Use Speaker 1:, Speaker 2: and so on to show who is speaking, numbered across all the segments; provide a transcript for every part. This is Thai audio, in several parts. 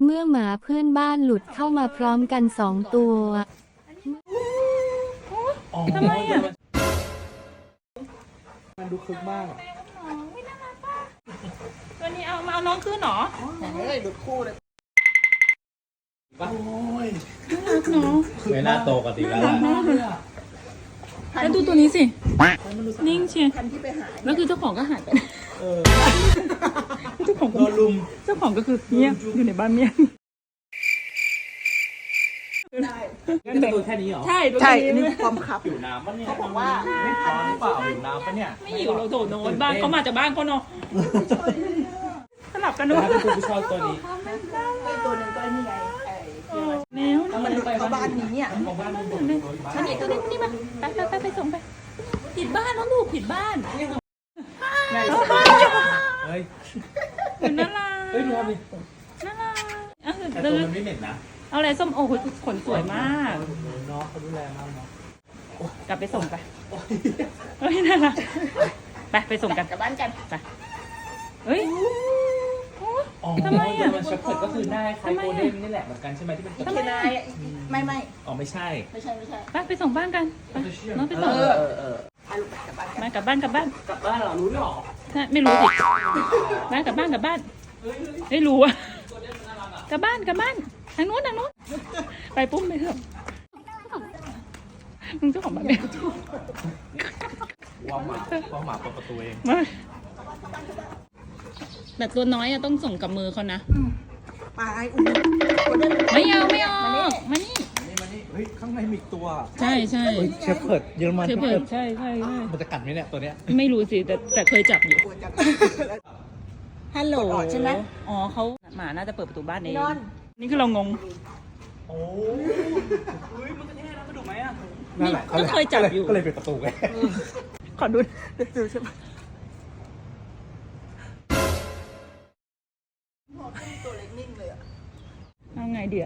Speaker 1: เมื่อหมาเพื่อนบ้านหลุดเข้ามาพร้อมกัน2 ตัว
Speaker 2: ทำไมอ่ะ
Speaker 3: มันดูคึกมาก
Speaker 2: ตัวนี้เอามาเอาน้องขึ้นหรอ
Speaker 3: เฮ้ยดูคู่เลยโอ้ย
Speaker 4: ไม่น่าโตกันตีแล้ว
Speaker 2: แล้วดูตัวนี้สินิ่งเชียแล้วคือเจ้าของก็หายไปเจ้าของโดนลุมเจ้าของก็คือเงียบอยู่ในบ้านเงียบ
Speaker 4: งั้นดูแค่นี้เหรอ
Speaker 2: ใช่
Speaker 3: นี่ความคับ
Speaker 4: อยู่น้ำปะเนี่ยเขาบอกว่าไม่ร้อนหรือเปล่าอยู่น้ำปะเนี่ย
Speaker 2: ไม่อยู่เราโดดโน้นบ้านเขามาจากบ้านเขาเนาะสลับกันด้วย
Speaker 4: ถ้าเป็นคุณชอบตัวนี้
Speaker 3: ตัวนึงก็นี่ไง
Speaker 2: แล้ว
Speaker 3: มันเข้าบ้านนี้อ่ะ
Speaker 2: มานี่ตัวนี้มาไปส่งไปผิดบ้านแล้วลูกผิดบ้าน
Speaker 4: เฮ้ย
Speaker 2: เป็นน่ารัก
Speaker 4: เฮ้ยดูทำดิ
Speaker 2: น่ารัก
Speaker 4: แต่ตัวมันไม่เหม็นนะ
Speaker 2: เอาอะไรส้มโอ้โหขนสวยมาก
Speaker 4: น้องเขาดูแลมากเนาะ
Speaker 2: กลับไปส่งไปเฮ้ยน่ารักไปส่งกันกลับบ้านกันไปเฮ้ยทำไมอ่ะ
Speaker 4: มันช็อปเปิดก็คือหน้าคล้ายโกลเด้นนี่แหละเหมือนกันใช่ไหมที่เป็น
Speaker 3: โอเคนายไม่
Speaker 4: อ๋อไม่ใช่
Speaker 2: ไปส่งบ้านกันน้องไปส่งมากลับบ้าน
Speaker 4: เหรอรู้หรอ
Speaker 2: ไม่รู้สิมากลับบ้านไม่รู้อ่ะกลับบ้านทางนู้นไปปุ้มไปเถอะมึงเจ้าของบ้านเนี่ย
Speaker 4: ว่าหมาเปิดประตูเอง
Speaker 2: แต่ตัวน้อยอะต้องส่งกับมือเขานะ
Speaker 3: ไป
Speaker 2: ไม่เอามานี่
Speaker 4: เฮ้ยข้างในมีตัว
Speaker 2: ใช่
Speaker 4: เชฟเพิร์ดเยอรมัน
Speaker 2: เชฟเพิร์ดใช่
Speaker 4: มันจะกัดไหมเนี่ยตัวเนี้ย
Speaker 2: ไม่รู้สิแต่เคยจับอยู่ฮัลโหล
Speaker 3: ใช่ไหม
Speaker 2: อ๋อเขาหมาน่าจะเปิดประตูบ้านเองนี่คือเรางง
Speaker 4: โอ้ยมันจะแท้แล้วมาดูไหมอ่ะ
Speaker 2: ก็เคยจับอยู่
Speaker 4: ก็เลยปิดประตูไง
Speaker 2: ขอดูใช่ไหม
Speaker 3: ตัวเล็กนิ่งเลยอ่ะ
Speaker 2: เอาไงเดี๋ยว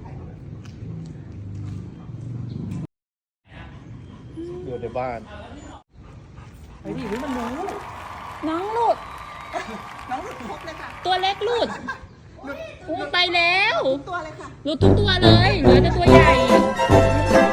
Speaker 4: ในบ้าน
Speaker 2: เฮ้ยดิมันรู้น้องหลุด
Speaker 3: ครบเลยค่ะ
Speaker 2: ตัวเล็กหลุดไปแล้ว
Speaker 3: ตัวเลยค่ะ
Speaker 2: หลุดทุกตัวเลยเหลือแต่ตัวใหญ่